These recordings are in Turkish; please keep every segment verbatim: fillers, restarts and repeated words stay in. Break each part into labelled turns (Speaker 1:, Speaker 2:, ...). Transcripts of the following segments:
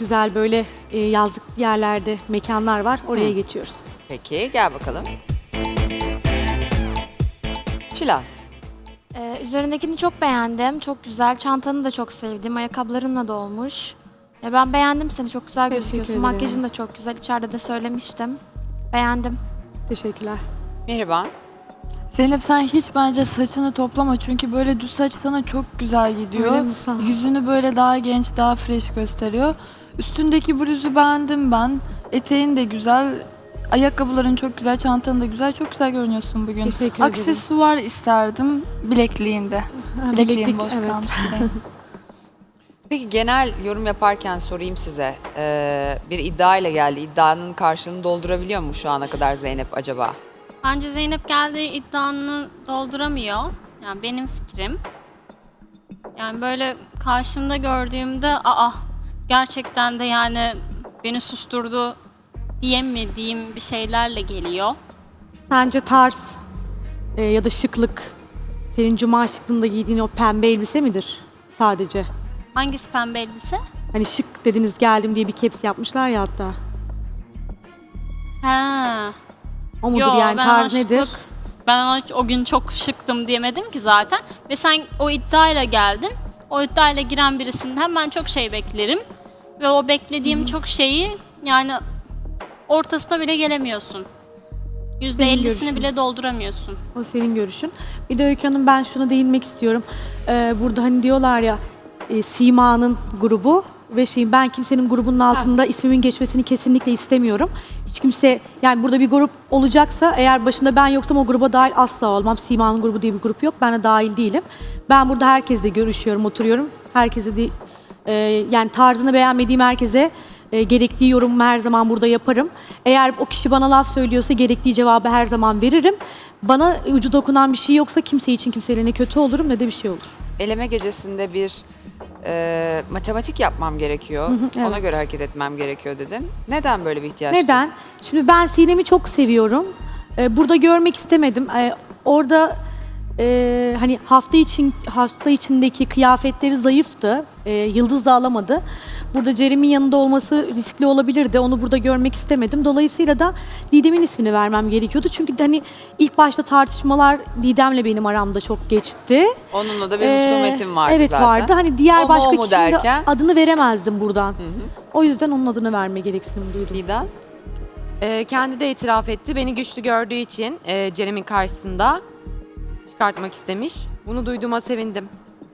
Speaker 1: güzel böyle e, yazlık yerlerde mekanlar var. Oraya
Speaker 2: Hı.
Speaker 1: geçiyoruz.
Speaker 2: Peki gel bakalım. Çilal.
Speaker 3: Ee, üzerindekini çok beğendim. Çok güzel. Çantanı da çok sevdim. Ayakkabılarınla da olmuş. Ya ben beğendim seni. Çok güzel
Speaker 1: Teşekkür
Speaker 3: gözüküyorsun.
Speaker 1: ederim.
Speaker 3: Makyajın da çok güzel. İçeride de söylemiştim. Beğendim.
Speaker 1: Teşekkürler.
Speaker 2: Mihriban.
Speaker 4: Zeynep sen hiç bence saçını toplama çünkü böyle düz saç sana çok güzel gidiyor.
Speaker 1: Öyle mi? Sağ ol.
Speaker 4: Yüzünü böyle daha genç, daha fresh gösteriyor. Üstündeki bluzu beğendim ben. Eteğin de güzel. Ayakkabıların çok güzel, çantan da güzel. Çok güzel görünüyorsun bugün.
Speaker 1: Teşekkür ederim.
Speaker 4: Aksesuar isterdim bilekliğinde.
Speaker 1: Ha,
Speaker 4: Bilekliğin
Speaker 1: bileklik,
Speaker 4: boş
Speaker 1: evet.
Speaker 4: kalmış. bir de.
Speaker 2: Peki genel yorum yaparken sorayım size. Ee, bir iddia ile geldi. İddianın karşılığını doldurabiliyor mu şu ana kadar Zeynep acaba?
Speaker 5: Bence Zeynep geldiği iddianı dolduramıyor. Yani benim fikrim. Yani böyle karşımda gördüğümde aa gerçekten de yani beni susturdu diyemediğim bir şeylerle geliyor.
Speaker 1: Sence tarz e, ya da şıklık, senin cuma şıklığında giydiğin o pembe elbise midir sadece?
Speaker 5: Hangisi pembe elbise?
Speaker 1: Hani şık dediniz geldim diye bir caps yapmışlar ya hatta.
Speaker 5: He.
Speaker 1: O mudur
Speaker 5: Yo,
Speaker 1: yani
Speaker 5: ben
Speaker 1: tarz
Speaker 5: ona
Speaker 1: nedir?
Speaker 5: şıklık- Ben ona o gün çok şıktım diyemedim ki zaten. Ve sen o iddiayla geldin. O iddiayla giren birisinden ben çok şey beklerim. Ve o beklediğim çok şeyi yani ortasına bile gelemiyorsun. yüzde ellisini
Speaker 1: görüşün.
Speaker 5: bile dolduramıyorsun.
Speaker 1: O senin görüşün. Bir de Öykü Hanım ben şuna değinmek istiyorum. Ee, burada hani diyorlar ya e, Sima'nın grubu ve şey ben kimsenin grubunun altında ismimin geçmesini kesinlikle istemiyorum. Hiç kimse yani burada bir grup olacaksa eğer başında ben yoksam o gruba dahil asla olmam. Sima'nın grubu diye bir grup yok. Ben de dahil değilim. Ben burada herkesle görüşüyorum, oturuyorum. Herkese de e, yani tarzını beğenmediğim herkese e, gerektiği yorumu her zaman burada yaparım. Eğer o kişi bana laf söylüyorsa gerektiği cevabı her zaman veririm. Bana ucu dokunan bir şey yoksa kimse için kimseyle ne kötü olurum ne de bir şey olur.
Speaker 2: Eleme gecesinde bir e, matematik yapmam gerekiyor.
Speaker 1: evet.
Speaker 2: Ona göre hareket etmem gerekiyor dedin. Neden böyle bir ihtiyaç?
Speaker 1: Neden? Şimdi ben Sinem'i çok seviyorum. Ee, burada görmek istemedim. Ee, orada e, hani hafta için hafta içindeki kıyafetleri zayıftı. Ee, Yıldız da alamadı. Burada Cerem'in yanında olması riskli olabilirdi. Onu burada görmek istemedim. Dolayısıyla da Didem'in ismini vermem gerekiyordu. Çünkü hani ilk başta tartışmalar Didem'le benim aramda çok geçti.
Speaker 2: Onunla da bir
Speaker 1: Ee,
Speaker 2: husumetim vardı
Speaker 1: evet
Speaker 2: zaten.
Speaker 1: vardı. Hani diğer
Speaker 2: O mu,
Speaker 1: başka
Speaker 2: o mu
Speaker 1: kişinin de
Speaker 2: derken?
Speaker 1: adını veremezdim buradan. O yüzden onun adını verme gereksinim duydum.
Speaker 2: Didem?
Speaker 6: Ee, kendi de itiraf etti. Beni güçlü gördüğü için e, Cerem'in karşısında çıkartmak istemiş. Bunu duyduğuma sevindim.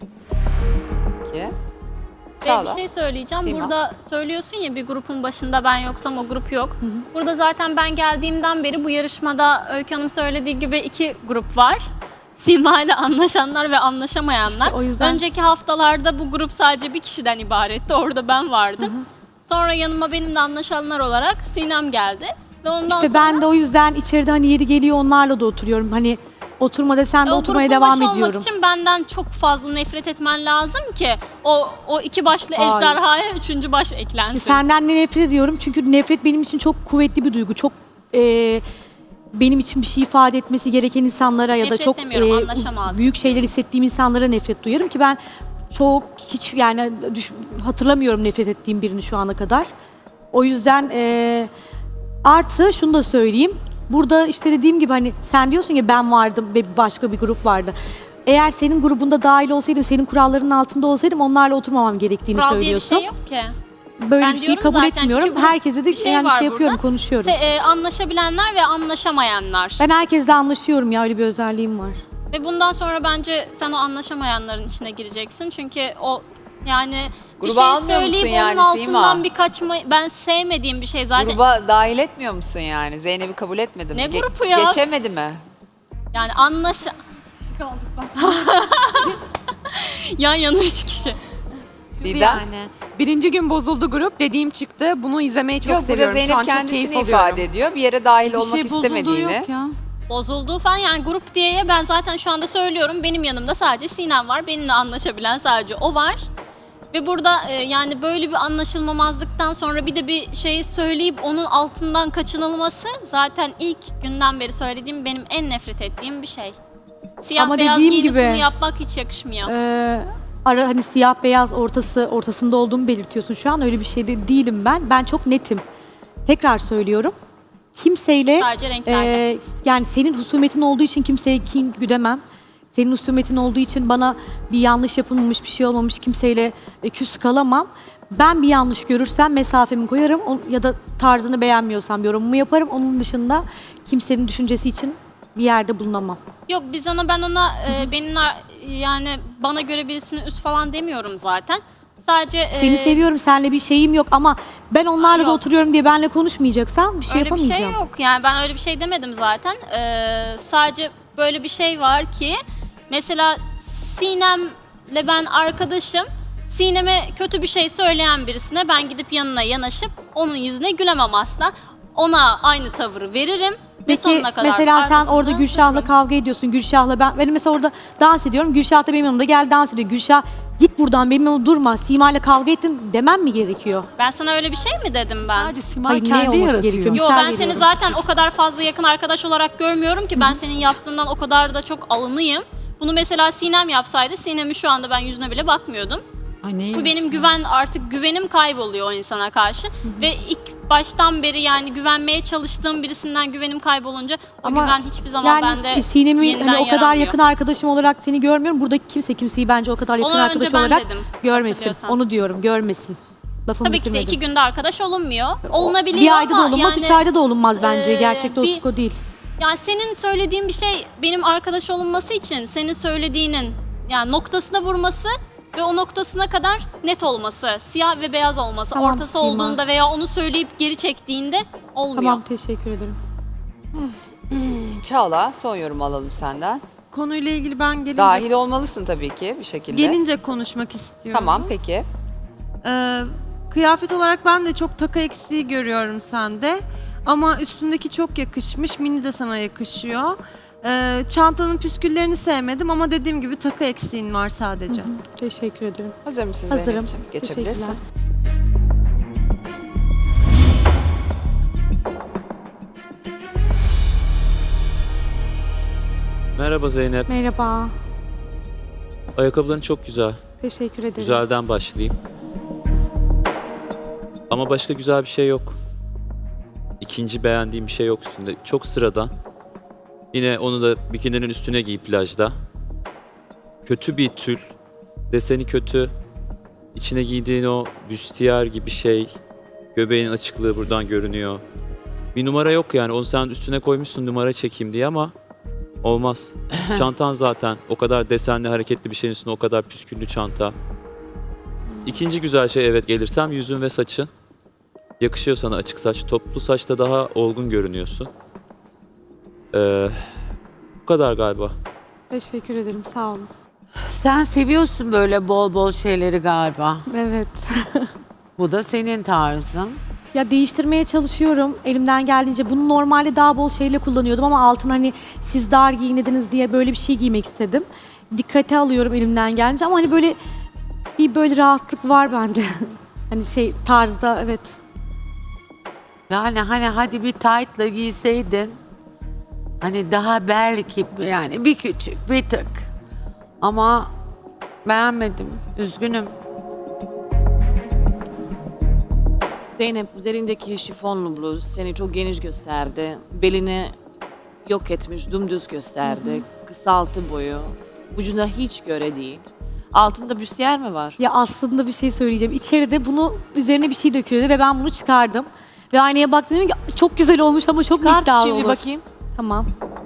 Speaker 2: Peki.
Speaker 5: Ve
Speaker 2: Çağla.
Speaker 5: bir şey söyleyeceğim.
Speaker 2: Sima.
Speaker 5: Burada söylüyorsun ya bir grupun başında ben yoksam o grup yok. Burada zaten ben geldiğimden beri bu yarışmada Öykü Hanım söylediği gibi iki grup var. Sima ile anlaşanlar ve anlaşamayanlar.
Speaker 1: İşte o yüzden-
Speaker 5: Önceki haftalarda bu grup sadece bir kişiden ibaretti. Orada ben vardım. Sonra yanıma benimle anlaşanlar olarak Sinem geldi. Ve ondan
Speaker 1: İşte
Speaker 5: sonra
Speaker 1: ben de o yüzden içeride hani yeri geliyor onlarla da oturuyorum. Hani oturma desen de
Speaker 5: o
Speaker 1: oturmaya
Speaker 5: grubun
Speaker 1: devam
Speaker 5: başı
Speaker 1: ediyorum.
Speaker 5: olmak için benden çok fazla nefret etmen lazım ki o o iki başlı
Speaker 1: Hayır.
Speaker 5: ejderhaya üçüncü baş eklensin.
Speaker 1: Senden de nefret ediyorum çünkü nefret benim için çok kuvvetli bir duygu. Çok e, benim için bir şey ifade etmesi gereken insanlara ya da
Speaker 5: Nefret
Speaker 1: çok
Speaker 5: demiyorum,
Speaker 1: e,
Speaker 5: anlaşamazdım.
Speaker 1: büyük şeyler hissettiğim insanlara nefret duyarım ki ben çok hiç yani düş- hatırlamıyorum nefret ettiğim birini şu ana kadar. O yüzden e, artı şunu da söyleyeyim. Burada işte dediğim gibi hani sen diyorsun ya ben vardım ve başka bir grup vardı. Eğer senin grubunda dahil olsaydım, senin kurallarının altında olsaydım onlarla oturmamam gerektiğini
Speaker 5: Kural diye bir
Speaker 1: söylüyorsun.
Speaker 5: şey yok ki.
Speaker 1: Böyle
Speaker 5: Ben
Speaker 1: bir şeyi
Speaker 5: diyorum
Speaker 1: kabul
Speaker 5: zaten,
Speaker 1: etmiyorum.
Speaker 5: iki grup
Speaker 1: Herkese de
Speaker 5: bir şey
Speaker 1: yani
Speaker 5: var
Speaker 1: şey yapıyorum,
Speaker 5: burada.
Speaker 1: konuşuyorum.
Speaker 5: Se- e, anlaşabilenler ve anlaşamayanlar.
Speaker 1: Ben herkesle anlaşıyorum ya, öyle bir özelliğim var.
Speaker 5: Ve bundan sonra bence sen o anlaşamayanların içine gireceksin. Çünkü o yani bir
Speaker 2: Gruba
Speaker 5: şey
Speaker 2: almıyor musun
Speaker 5: söyleyip
Speaker 2: yani
Speaker 5: onun altından
Speaker 2: Sima?
Speaker 5: bir kaçma ben sevmediğim bir şey zaten.
Speaker 2: Gruba dahil etmiyor musun yani? Zeynep'i kabul etmedi mi?
Speaker 5: Ne grubu ya?
Speaker 2: Geçemedi mi?
Speaker 5: Yani anlaşa... Yan yana üç kişi.
Speaker 2: Didem?
Speaker 6: Yani. Birinci gün bozuldu grup. Dediğim çıktı. Bunu izlemeyi çok
Speaker 2: Yok burada
Speaker 6: seviyorum. Şu
Speaker 2: Zeynep
Speaker 6: an çok keyif
Speaker 2: kendisini
Speaker 6: alıyorum.
Speaker 2: ifade ediyor. Bir yere dahil
Speaker 4: Bir
Speaker 2: olmak
Speaker 4: şey bozulduğu
Speaker 2: istemediğini.
Speaker 4: yok ya.
Speaker 5: Bozulduğu falan yani grup diye ben zaten şu anda söylüyorum. Benim yanımda sadece Sinem var. Benimle anlaşabilen sadece o var. Ve burada e, yani böyle bir anlaşılmamazlıktan sonra bir de bir şeyi söyleyip onun altından kaçınılması zaten ilk günden beri söylediğim benim en nefret ettiğim bir şey. Siyah
Speaker 1: Ama
Speaker 5: beyaz
Speaker 1: dediğim
Speaker 5: giyinip
Speaker 1: gibi-
Speaker 5: bunu yapmak hiç yakışmıyor.
Speaker 1: Ee, ara hani siyah beyaz ortası ortasında olduğumu belirtiyorsun şu an. Öyle bir şey de değilim ben. Ben çok netim. Tekrar söylüyorum. Kimseyle
Speaker 5: Sadece renklerde.
Speaker 1: e, yani senin husumetin olduğu için kimseye kin güdemem. Senin husumetin olduğu için bana bir yanlış yapılmamış, bir şey olmamış, kimseyle e, küs kalamam. Ben bir yanlış görürsem mesafemi koyarım o- ya da tarzını beğenmiyorsam yorumumu yaparım. Onun dışında kimsenin düşüncesi için bir yerde bulunamam.
Speaker 5: Yok biz ona ben ona e, benim ar- yani bana göre birisinin üst falan demiyorum zaten. Sadece e,
Speaker 1: Seni seviyorum, seninle bir şeyim yok ama ben onlarla da
Speaker 5: Yok.
Speaker 1: oturuyorum diye benle konuşmayacaksan bir şey
Speaker 5: öyle bir
Speaker 1: yapamayacağım.
Speaker 5: şey yok. Yani ben öyle bir şey demedim zaten. E, sadece böyle bir şey var ki mesela Sinem'le ben arkadaşım. Sinem'e kötü bir şey söyleyen birisine ben gidip yanına yanaşıp onun yüzüne gülemem asla. Ona aynı tavırı veririm ve
Speaker 1: Peki
Speaker 5: sonuna kadar
Speaker 1: mesela sen
Speaker 5: arkasında
Speaker 1: orada Gülşah'la
Speaker 5: dururum.
Speaker 1: kavga ediyorsun. Gülşah'la ben, benim mesela orada dans ediyorum. Gülşah da benim yanımda gel dans ediyor. Gülşah git buradan benim yanımda durma. Sima'yla kavga ettin demem mi gerekiyor?
Speaker 5: Ben sana öyle bir şey mi dedim ben?
Speaker 7: Sadece Simay
Speaker 1: Hayır, ne
Speaker 7: kendi
Speaker 1: olması
Speaker 7: yaratıyor.
Speaker 1: gerekiyor?
Speaker 5: Yo
Speaker 1: Misal
Speaker 5: ben seni
Speaker 1: veriyorum.
Speaker 5: zaten o kadar fazla yakın arkadaş olarak görmüyorum ki ben senin yaptığından o kadar da çok alınıyım. Bunu mesela Sinem yapsaydı Sinem'i şu anda ben yüzüne bile bakmıyordum.
Speaker 7: Ay neymiş
Speaker 5: Bu benim
Speaker 7: ya?
Speaker 5: güven artık güvenim kayboluyor o insana karşı ve ilk baştan beri yani güvenmeye çalıştığım birisinden güvenim kaybolunca o
Speaker 1: Ama
Speaker 5: güven hiçbir zaman
Speaker 1: Yani
Speaker 5: bende
Speaker 1: Sinem'i
Speaker 5: yeniden
Speaker 1: hani o kadar
Speaker 5: yaranmıyor.
Speaker 1: yakın arkadaşım olarak seni görmüyorum. Buradaki kimse kimseyi bence o kadar yakın
Speaker 5: Onu önce
Speaker 1: arkadaş
Speaker 5: ben
Speaker 1: olarak
Speaker 5: dedim,
Speaker 1: görmesin.
Speaker 5: hatırlıyorsan.
Speaker 1: Onu diyorum, görmesin. Lafımı
Speaker 5: Tabii ki de
Speaker 1: bitirmedim.
Speaker 5: iki günde arkadaş olunmuyor. Olunabiliyor
Speaker 1: Bir ayda da
Speaker 5: ama
Speaker 1: olunmaz,
Speaker 5: yani,
Speaker 1: üç ayda da olunmaz bence.
Speaker 5: e,
Speaker 1: Gerçek dostluk
Speaker 5: bir-
Speaker 1: o değil.
Speaker 5: Yani senin söylediğin bir şey benim arkadaş olunması için senin söylediğinin yani noktasına vurması ve o noktasına kadar net olması, siyah ve beyaz olması,
Speaker 1: Tamam,
Speaker 5: ortası
Speaker 1: Sima.
Speaker 5: olduğunda veya onu söyleyip geri çektiğinde olmuyor.
Speaker 1: Tamam, teşekkür ederim.
Speaker 2: Çağla son yorum alalım senden.
Speaker 8: Konuyla ilgili ben gelince,
Speaker 2: Dahil olmalısın tabii ki bir şekilde.
Speaker 8: gelince konuşmak istiyorum.
Speaker 2: Tamam peki.
Speaker 8: Ee, kıyafet olarak ben de çok taka eksiği görüyorum sende. Ama üstündeki çok yakışmış. Mini de sana yakışıyor. Ee, çantanın püsküllerini sevmedim ama dediğim gibi taka eksiğin var sadece.
Speaker 1: Teşekkür ederim.
Speaker 2: Hazır mısın
Speaker 1: Hazırım.
Speaker 2: Zeynep'ciğim? Geçebilirsin.
Speaker 1: Teşekkürler.
Speaker 9: Merhaba Zeynep.
Speaker 1: Merhaba.
Speaker 9: Ayakkabıların çok güzel.
Speaker 1: Teşekkür ederim.
Speaker 9: Güzelden başlayayım. Ama başka güzel bir şey yok. İkinci beğendiğim bir şey yok üstünde. Çok sıradan. Yine onu da bikininin üstüne giy plajda. Kötü bir tül. Deseni kötü. İçine giydiğin o büstiyer gibi şey. Göbeğin açıklığı buradan görünüyor. Bir numara yok yani. Onu sen üstüne koymuşsun numara çekeyim diye ama olmaz. Çantan zaten o kadar desenli hareketli bir şeyin üstüne o kadar püsküllü çanta. İkinci güzel şey evet gelirsem yüzün ve saçın. Yakışıyor sana açık saç. Toplu saçta daha olgun görünüyorsun. Ee, bu kadar galiba.
Speaker 1: Teşekkür ederim. Sağ olun.
Speaker 10: Sen seviyorsun böyle bol bol şeyleri galiba.
Speaker 1: Evet.
Speaker 10: Bu da senin tarzın.
Speaker 1: Ya değiştirmeye çalışıyorum elimden geldiğince. Bunu normalde daha bol şeyle kullanıyordum ama altına hani siz dar giyinediniz diye böyle bir şey giymek istedim. Dikkate alıyorum elimden gelince ama hani böyle bir böyle rahatlık var bende. Hani şey tarzda evet.
Speaker 10: Yani hani hadi bir tight'la giyseydin. Hani daha belki yani bir küçük bir tık. Ama beğenmedim. Üzgünüm.
Speaker 7: Zeynep üzerindeki şifonlu bluz seni çok geniş gösterdi. Belini yok etmiş, dümdüz gösterdi. Kısaltı boyu. Vücuduna hiç göre değil. Altında büstiyer mi var?
Speaker 1: Ya aslında bir şey söyleyeceğim. İçeride bunu üzerine bir şey döküyordu ve ben bunu çıkardım. Ve aynaya baktım dedim ki çok güzel olmuş ama çok
Speaker 7: Çıkart
Speaker 1: iddialı
Speaker 7: şimdi
Speaker 1: olur.
Speaker 7: bakayım.
Speaker 1: Tamam.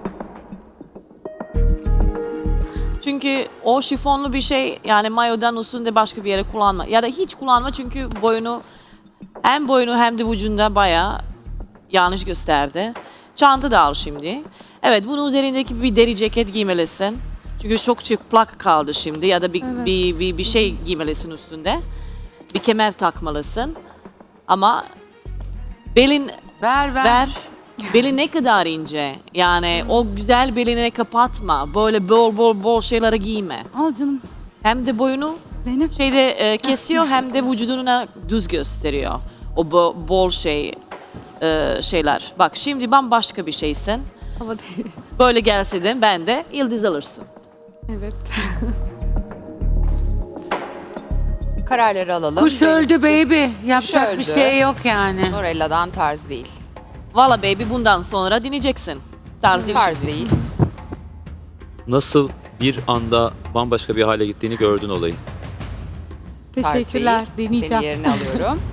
Speaker 7: Çünkü o şifonlu bir şey yani mayodan üstünde başka bir yere kullanma. Ya da hiç kullanma çünkü boyunu hem boyunu hem de vücudunda bayağı yanlış gösterdi. Çanta da al şimdi. Evet bunun üzerindeki bir deri ceket giymelisin. Çünkü çok çıplak kaldı şimdi ya da bir,
Speaker 1: Evet.
Speaker 7: bir, bir, bir şey giymelisin üstünde. Bir kemer takmalısın. Ama belin
Speaker 10: Ver ver.
Speaker 7: ver. Belin ne kadar ince. Yani o güzel belini kapatma. Böyle bol bol bol şeyleri giyme.
Speaker 11: Al canım.
Speaker 7: Hem de boyunu
Speaker 11: Zeynep.
Speaker 7: şeyde e, kesiyor hem de vücuduna düz gösteriyor. O bo- bol şey e, şeyler. Bak şimdi bambaşka bir şeysin.
Speaker 1: Ama değil.
Speaker 7: Böyle gelse de ben de yıldız alırsın.
Speaker 1: Evet.
Speaker 2: Kararları alalım.
Speaker 10: Kuş
Speaker 2: Benim
Speaker 10: öldü
Speaker 2: için
Speaker 10: baby. Yapacak bir
Speaker 2: öldü.
Speaker 10: şey yok yani.
Speaker 2: Nurella'dan tarz değil.
Speaker 7: Valla baby bundan sonra dinleyeceksin. Tarz değil
Speaker 2: Tarz
Speaker 7: şimdi.
Speaker 2: değil.
Speaker 9: Nasıl bir anda bambaşka bir hale gittiğini gördün olayın.
Speaker 2: Tarz
Speaker 1: Teşekkürler.
Speaker 2: değil.
Speaker 1: Deneyeceğim.
Speaker 2: Seni yerine alıyorum.